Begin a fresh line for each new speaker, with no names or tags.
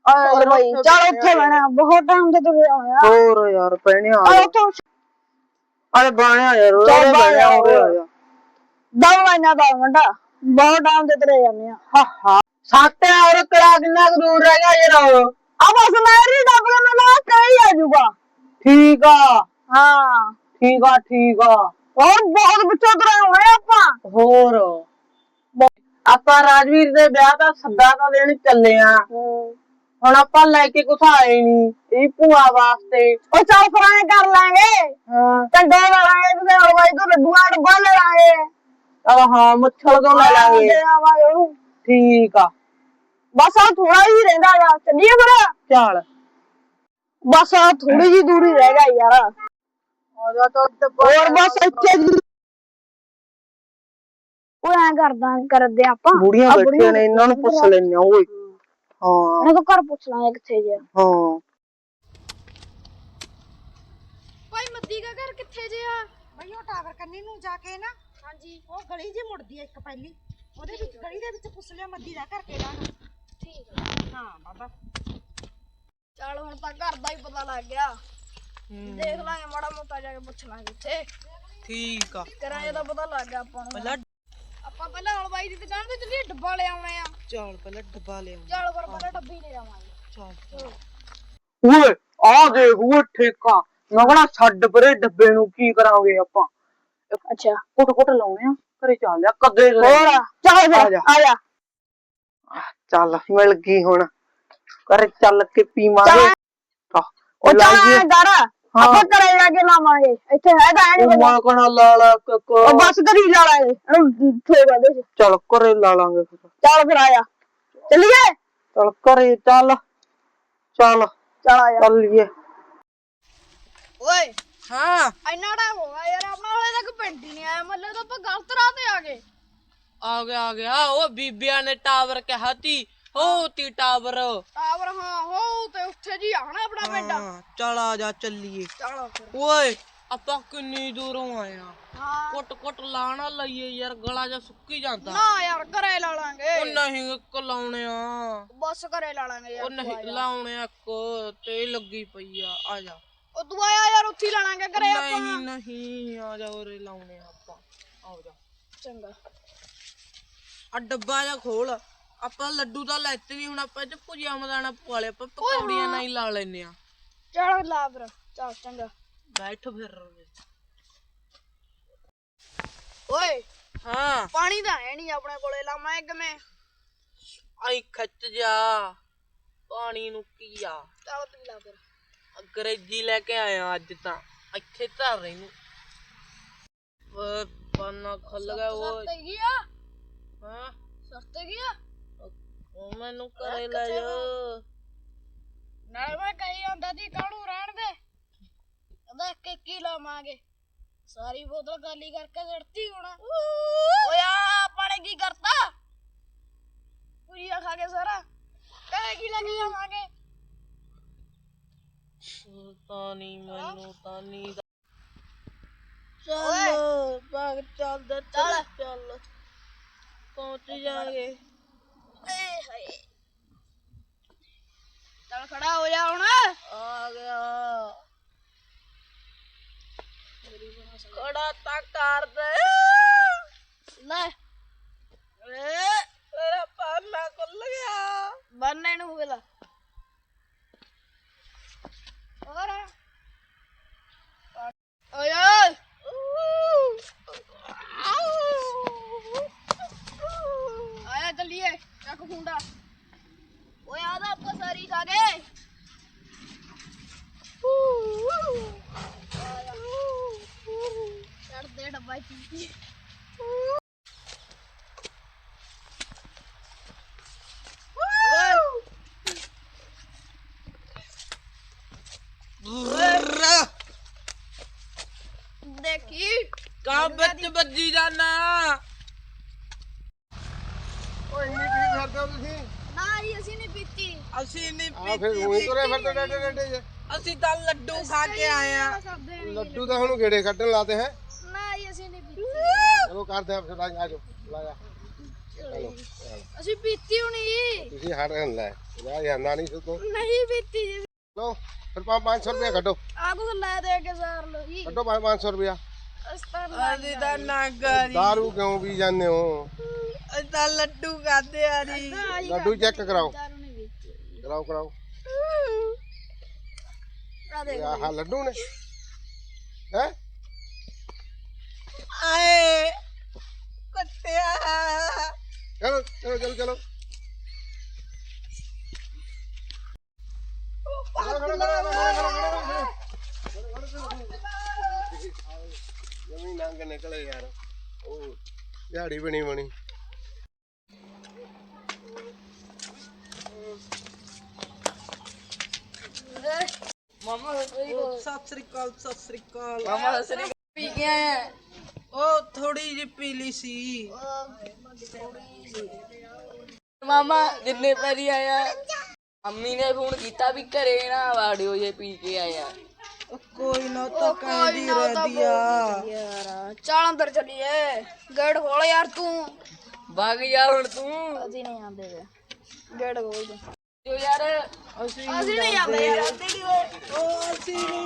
ਆਏ ਭਾਈ ਚੱਲ ਉੱਥੇ ਬਣਾ ਬਹੁਤ ਟਾਈਮ ਤੇ ਤੁਰੇ ਆਇਆ
ਹੋਰ ਯਾਰ ਪੈਣੇ ਆ ਅਰੇ ਬਾਣਿਆ ਯਾਰ
ਚੱਲ ਬਾਣਿਆ ਦਵਾ ਨਾ ਦਾ ਮੁੰਡਾ ਬਹੁਤ ਟਾਈਮ ਤੇ ਤੁਰੇ ਜਾਂਦੇ ਆ
ਹਾਂ ਸਾਤੇ ਔਰ ਕਿਹੜਾ ਕਿੰਨਾ ਦੂਰ ਰਹਿ ਗਿਆ ਯਾਰ
ਆ ਬਸ ਮੇਰੀ ਡੱਬਾ ਮੈਨੂੰ ਕਹੀ ਆ ਜੂਗਾ
ਠੀਕ ਆ
ਹਾਂ
ਠੀਕ ਆ
ਹੋਰ ਬਹੁਤ ਪਿੱਛੇ ਤੁਰੇ ਹੋਏ ਆਪਾਂ
ਹੋਰ ਆਪਾਂ ਰਾਜਵੀਰ ਦੇ ਵਿਆਹ ਦਾ ਸੱਦਾ ਤਾਂ ਦੇਣ ਚੱਲੇ ਆ ਹੁਣ ਆਪਾਂ ਲੈ ਕੇ ਕੁਛ ਆਏ ਨੀ ਇਹ ਭੂਆ ਵਾਸਤੇ
ਉਹ ਚੱਲ ਫਰਾਏ ਕਰ ਲਾਂਗੇ ਚੰਗਾ ਲੈ ਲਾਂਗੇ ਤੇ ਹਲਵਾਈ ਤੋਂ ਲੱਡੂਆਂ ਦਾ ਡੱਬਾ ਲੈ ਲਾਂਗੇ
ਹਾਂ ਮੁੱਛਲ ਤੋਂ ਲੈ ਲਾਂਗੇ ਠੀਕ ਆ
ਬਸ ਆ ਥੋੜਾ ਹੀ ਰਹਿੰਦਾ ਗਾ ਚੱਲੀਏ ਫਿਰ
ਚੱਲ
ਬਸ ਆ ਥੋੜੀ ਜੀ ਦੂਰੀ ਰਹਿ ਗਈ ਯਾਰ
ਆ ਜਾ ਤਾਂ
ਹੋਰ ਬਸ ਇੱਥੇ ਉਹ ਐ ਕਰਦੇ ਆਪਾਂ
ਬੁੜੀਆਂ ਬੈਠੀਆਂ ਨੇ ਇਹਨਾਂ ਨੂੰ ਪੁੱਛ ਲੈਣੇ ਓਏ ਹਾਂ
ਇਹਨਾਂ ਤੋਂ ਘਰ ਪੁੱਛ ਲਾਂਗੇ ਕਿੱਥੇ ਜੇ
ਹਾਂ
ਭਾਈ ਮੱਦੀ ਦਾ ਘਰ ਕਿੱਥੇ ਜੇ ਆ
ਬਈ ਉਹ ਟਾਵਰ ਕੰਨੀ ਨੂੰ ਜਾ ਕੇ ਨਾ
ਹਾਂਜੀ
ਉਹ ਗਲੀ ਜੀ ਮੁੜਦੀ ਆ ਇੱਕ ਪਹਿਲੀ ਉਹਦੇ ਵਿੱਚ ਗਲੀ ਦੇ ਵਿੱਚ ਪੁੱਛ ਲਿਆ ਮੱਦੀ ਦਾ ਘਰ ਕਿਹੜਾ
ਠੀਕ ਆ
ਹਾਂ ਬਾਬਾ
ਚੱਲ ਹੁਣ ਤਾਂ ਘਰ ਦਾ ਹੀ ਪਤਾ ਲੱਗ ਗਿਆ ਦੇਖ ਲਾਂਗੇ ਮਾੜਾ ਮੋਟਾ ਜਾ ਕੇ ਪੁੱਛ ਲਾਂਗੇ ਉੱਥੇ
ਠੀਕ ਆ
ਕਿਰਾਏ ਦਾ ਪਤਾ ਲੱਗ ਗਿਆ ਆਪਾਂ ਨੂੰ ਆਪਾਂ ਪਹਿਲਾਂ ਹਲਵਾਈ ਦੀ ਦੁਕਾਨ ਤੇ ਚੱਲੀਏ ਡੱਬਾ ਲੈ ਆਉਣੇ ਆ
ਚੱਲ ਪਹਿਲਾਂ ਡੱਬਾ ਲੈ
ਚੱਲ ਫਿਰ ਪਹਿਲਾਂ ਡੱਬੀ ਲੈ ਆਵਾਂਗੇ
ਚੱਲ ਓਏ ਆ ਦੇਖ ਓਏ ਠੇਕਾ ਮੈਂ ਕਹਣਾ ਛੱਡ ਪਰੇ ਡੱਬੇ ਨੂੰ ਕੀ ਕਰਾਂਗੇ ਆਪਾਂ
ਅੱਛਾ
ਕੁੱਟ ਲਾਉਣੇ ਆ ਘਰੇ ਚੱਲ ਲਿਆ ਕਦੇ
ਹੋਰ ਚੱਲ ਫਿਰ ਆ ਜਾ
ਚੱਲ ਮਿਲ ਗਈ ਹੁਣ ਘਰੇ ਚੱਲ ਕੇ ਪੀਵਾਂਗੇ
ਉਹ ਚੱਲ ਕਰ ਆਪਾਂ ਘਰੇ ਜਾ ਕੇ ਲਾਵਾਂਗੇ ਇੱਥੇ ਹੈ ਤਾਂ ਨਹੀਂ
ਮੈਂ ਕਹਣਾ ਲਾ
ਉਹ ਬਸ ਕਰੀ ਲਾ ਲਾਂਗੇ ਇਹਨੂੰ ਠੋਗਾ ਦੇ
ਚੱਲ ਘਰੇ ਲਾ ਲਾਂਗੇ ਫਿਰ
ਚੱਲ ਫਿਰ ਆਇਆ ਚੱਲੀਏ
ਚੱਲ ਘਰੇ ਚੱਲ
ਆ ਜਾ
ਚੱਲੀਏ
ਓਏ
ਹਾਂ
ਇੰਨਾ ਟਾਈਮ ਹੋ ਗਿਆ ਯਾਰ ਆਪਣਾ ਹਲੇ ਤੱਕ ਪਿੰਡ ਹੀ ਨਹੀਂ ਆਇਆ ਮਤਲਬ ਤਾਂ ਆਪਾਂ ਗਲਤ ਰਾਹ ਤੇ ਆ ਗਏ
ਆ ਗਿਆ ਉਹ ਬੀਬੀਆਂ ਨੇ ਟਾਵਰ ਕਿਹਾ ਤੀ ਹੋ ਤੀ ਟਾਵਰ
ਟਾਵਰ ਹਾਂ ਹੋ ਤੇ ਉੱਥੇ ਜੀ ਆਣਾ ਆਪਣਾ ਪਿੰਡ
ਚੱਲ ਆ ਜਾ ਚੱਲੀਏ
ਚਲੋ ਫਿਰ
ਓਏ ਆਪਾਂ ਕਿੰਨੀ ਦੂਰੋਂ ਆਏ ਆ
ਹਾਂ
ਕੁੱਟ ਲਾਣਾ ਲਈਏ ਯਾਰ ਗਲਾ ਜਾ ਸੁੱਕੀ ਜਾਂਦਾ
ਨਾ ਯਾਰ ਘਰੇ ਲਾ ਲਾਂਗੇ
ਉਹ ਨਹੀਂ ਇੱਕ ਲਾਉਣੇ ਆ
ਬਸ ਘਰੇ ਲਾ ਲਾਂਗੇ ਯਾਰ
ਉਹ ਨਹੀਂ ਲਾਉਣੇ ਇੱਕ ਤੇ ਲੱਗੀ ਪਈ ਆ ਜਾ
ਉਹ ਤੂੰ ਆਇਆ ਯਾਰ ਉੱਥੇ ਲਾ ਲਾਂਗੇ ਘਰੇ ਆਪਾਂ
ਨਹੀਂ ਆ ਜਾ ਉਰੇ ਲਾਉਣੇ ਆਪਾਂ ਆ ਜਾ
ਚੰਗਾ
ਆ ਡੱਬਾ ਜਾ ਖੋਲ ਆਪਾਂ ਲੱਡੂ ਤਾਂ ਲੈਤੇ ਨਹੀਂ ਹੁਣ ਆਪਾਂ ਇਹ ਭੁਜੀਆ ਮਦਾਨਾ ਪਵਾ ਲਿਆ ਆਪਾਂ ਪਕੌੜੀਆਂ ਨਾਲ ਹੀ ਲਾ ਲੈਨੇ ਆ
ਚਲ ਲਾ ਫਿਰ ਚੱਲ ਚੰਗਾ
ਬੈਠ ਫਿਰ
ਓਏ
ਹਾਂ
ਪਾਣੀ ਤਾਂ ਹੈ ਨਹੀਂ ਆਪਣੇ ਕੋਲੇ ਲਾਵਾਂ ਕਿਵੇਂ
ਆਈ ਖੱਚ ਜਾ ਪਾਣੀ ਨੂੰ ਕੀ ਆ
ਚੱਲ ਪੀ ਲਾ ਫਿਰ
ਅੰਗਰੇਜ਼ੀ ਲੈ ਕੇ ਆਇਆ ਅੱਜ ਤਾਂ ਇੱਥੇ ਧਰ ਰਹੀ ਨੂੰ ਓਏ ਪਾਣਾ ਖੁੱਲ ਗਿਆ ਓਏ
ਸਸਤੇ ਕੀ ਆ
ਹਾਂ
ਸਸਤੇ ਕੀ ਆ
ਉਹ ਮੈਨੂੰ ਘਰੇ ਲੈ ਜਾ
ਨਾਲੇ ਮੈਂ ਕਹੀ ਜਾਂਦਾ ਸੀ ਕਾਹਨੂੰ ਰਹਿਣ ਦੇ ਕਹਿੰਦਾ ਇੱਕ ਹੀ ਲਾਵਾਂਗੇ ਸਾਰੀ ਬੋਤਲ ਖਾਲੀ ਕਰਕੇ ਛੱਡਤੀ ਹੁਣ ਓਏ ਆਪਾਂ ਨੇ ਕੀ ਕਰਤਾ ਪੂਰੀਆ ਖਾ ਕੇ ਸਾਰਾ ਕਹੇ ਕੀ ਲੈ ਕੇ ਜਾਵਾਂਗੇ
ਸੁਲਤਾਨੀ ਮੈਨੂੰ ਤਾਂ ਨੀ
ਓਏ
ਭਾਗ ਚੱਲਦਾ ਚੱਲ ਪਹੁੰਚ ਜਾਗੇ
ਏ ਹਾਏ ਚੱਲ ਖੜਾ ਹੋ ਜਾ ਹੁਣ
ਆ ਗਿਆ ਖੜਾ ਤਾਂ ਕਰ ਦੇ
ਲੈ
ਮੇਰਾ ਪਾਲਾ ਖੁੱਲ ਗਿਆ
ਬੰਨੇ ਨੂੰ ਵੇਲਾ ਹੋਰ ਓਏ ਆਇਆ ਚੱਲੀਏ ਚੱਕ ਖੁੰਡਾ ਓਏ ਆਦਾ ਆਪਾਂ ਸਾਰੀ ਖਾ ਗਏ ਛੱਡ ਦੇ ਡੱਬਾ ਚੀਤੀ देखी
ਕਾ ਵਿੱਚ ਵੱਜੀ ਜਾਣਾ
ਓਏ ਇੰਨੀ ਪੀ ਫਿਰਦੇ ਹੋ ਤੁਸੀਂ
ना ये ऐसी नहीं पीती
ਅਸੀਂ ਨਹੀਂ
ਆ ਫਿਰ ਉਹੀ ਤੁਰੇ ਫਿਰਦੇ ਡਾਡੇ ਡਾਡੇ ਜੇ
ਅਸੀਂ ਤਾਂ ਲੱਡੂ ਖਾ ਕੇ ਆਏ ਆ
ਲੱਡੂ ਤਾਂ ਹੁਣ ਗੇੜੇ ਕੱਢਣ ਲਾਤੇ ਹੈ
ना ये ऐसी नहीं पीती
ਚਲੋ ਕਰਦੇ ਆ ਫਿਰ ਆ ਜਾਓ ਲਾ ਜਾ
ਅਸੀਂ ਪੀਤੀ ਹੋਣੀ
ਤੁਸੀਂ ਹਟ ਰਹਿਣ ਲੈ ਯਾਰ ਜਾਂਦਾ ਨਹੀਂ ਤੂੰ
ਨਹੀਂ ਪੀਤੀ ਜੀ
ਲੋ ਫਿਰ 500 ਰੁਪਇਆ ਕੱਢੋ
ਆ ਕੁਝ ਲੈ ਦੇ ਕੇ ਸਾਰ ਲੋ ਜੀ
ਕੱਢੋ 500 ਰੁਪਇਆ
ਅਸੀਂ ਤਾਂ ਨਾਗਾਰੀ
ਦਾਰੂ ਕਿਉਂ ਪੀ ਜਾਂਦੇ ਹੋ
ਅਸੀਂ ਤਾਂ ਲੱਡੂ ਖਾਦੇ ਆ ਜੀ
ਲੱਡੂ ਚੈੱਕ ਕਰਾਓ
ਦਾਰੂ ਨਹੀਂ ਪੀਤੀ
ਕਰਾਓ
ਆ ਦੇਖ
ਆਹ ਲੱਡੂ ਨੇ ਹੈ
ਆਏ ਕੁੱਤਿਆ
ਚਲੋ ਜਮੀ ਨੰਗ ਨਿਕਲੇ ਯਾਰ ਉਹ ਦਿਹਾੜੀ ਬਣੀ
ਸਤਿ ਸ੍ਰੀ ਅਕਾਲ
ਮਾਮਾ ਸਰੀ ਪੀ ਕੇ ਆਇਆ
ਉਹ ਥੋੜੀ ਜਿਹੀ ਪੀਲੀ ਸੀ
ਮਾਮਾ ਜਿੰਨੇ ਪੈਰੀ ਆਇਆ ਅੰਮੀ ਨੇ ਫੋਨ ਕੀਤਾ ਵੀ ਘਰੇ ਨਾ ਵਾੜਿਓ ਜੇ ਪੀ ਕੇ ਆਇਆ
ਉਹ ਕੋਈ ਨਾ ਤਾਂ ਕਹਿੰਦੀ ਰਹਦੀ ਆ
ਯਾਰ ਚੱਲ ਅੰਦਰ ਚੱਲੀਏ ਗੇਟ ਖੋਲ ਯਾਰ ਤੂੰ
ਵਗ ਜਾ ਹੁਣ ਤੂੰ
ਅਸੀਂ ਨਹੀਂ ਆਂਦੇ ਵੇ ਗੇਟ ਖੋਲ ਦੇ
ਜੋ ਯਾਰ
ਅਸੀਂ ਨਹੀਂ ਆਂਦੇ ਯਾਰ
ਉਹ ਅਸੀਂ ਨੀ